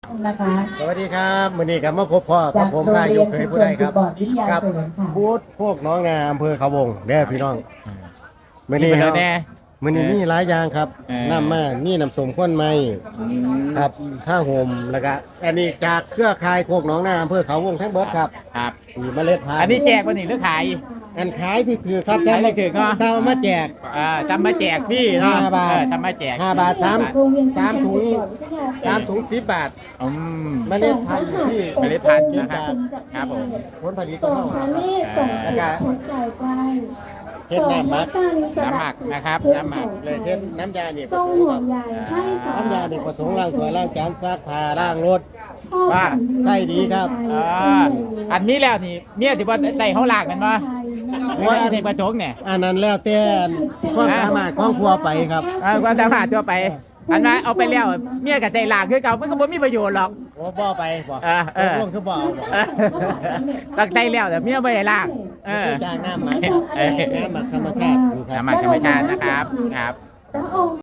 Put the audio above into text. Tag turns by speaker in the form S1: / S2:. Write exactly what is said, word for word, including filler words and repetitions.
S1: นะคะ
S2: สวัสดีครับมื้อนี้ก็มาพบพ่อกับผมพายกเคยผู้ใดครับกับบูธพวกน้องนาอำเภอเขาวงเด้อพี่น้องมื้อนี้
S3: มี
S2: ค
S3: ป
S2: รั
S3: ระ
S2: บ
S3: เด็นแน่
S2: มื้อนี้มีหลายอย่างครับ
S3: เออ
S2: น้ำมานี่น้ำส้มข้นไม้ครับผ้าห่มแล้วก็อันนี้จากเครือข่ายพวกน้องนาอำเภอเขาวงทั้งเบิดครับ
S3: ครับ
S2: มีเมล็ดพันธุ์
S3: อันนี้แจกวันนี้หรือขาย
S2: อันขายที่ถือครับ
S3: ขายที่ถือเนอะ
S2: เศร้ามาแจก
S3: อ่าทำมาแจกพี่เนาะ
S2: ห้าบาท
S3: เออทำมาแจก
S2: ห้าบาทสามสามถุงสามถุงสิบบาท
S3: อืม
S2: เมล็ดพันธุ์ที่
S3: เมล็ดพันธุ์นะครับครับผม
S2: ผลผลิตข
S1: ส่
S2: อง
S1: ง
S2: เรา
S1: พา
S2: ครับ
S1: ณิชย์ส่ง
S2: แล้วก็
S1: ผลไก่ไกล
S2: เฮ็ดน้ำหมัก
S3: น้ำหมักนะครับน้ำหมัก
S2: เลยเช่นน้ำยานี่
S1: ส่งห่วงใยให้กับ
S2: น้ำยานี่ผสมล้างถ้วยล้างจานซักผ้าล้างรถ
S3: ว่า
S2: ใช่ดีครับ
S3: อ่าอันนี้แล้วนี่เมียที่ว่าใส่เขาหลากกันวะว่าอันนี้ประชงเนี่ย
S2: อันนั้นแล้วแต่ความสามารถของครัวไปครับ
S3: เออความสามารถตัวไป อันนั้นเอาไปแล้วเมียกับใจหลากคือเก่ามันก็บ่มีประโยชน์หรอก
S2: โอ้บ่ไปบ่
S3: เออเออ
S2: ร่วงคือบ่เอาบ่
S3: เออตั้งใจแล้วแต่เมียไม่ได้ลากเออ
S2: จ้างน้ำหมัก
S3: เออ
S2: น้ำหมักธรรมชาติ
S3: น้ำหมักธรรมชาตินะครับครับ
S1: พระองค์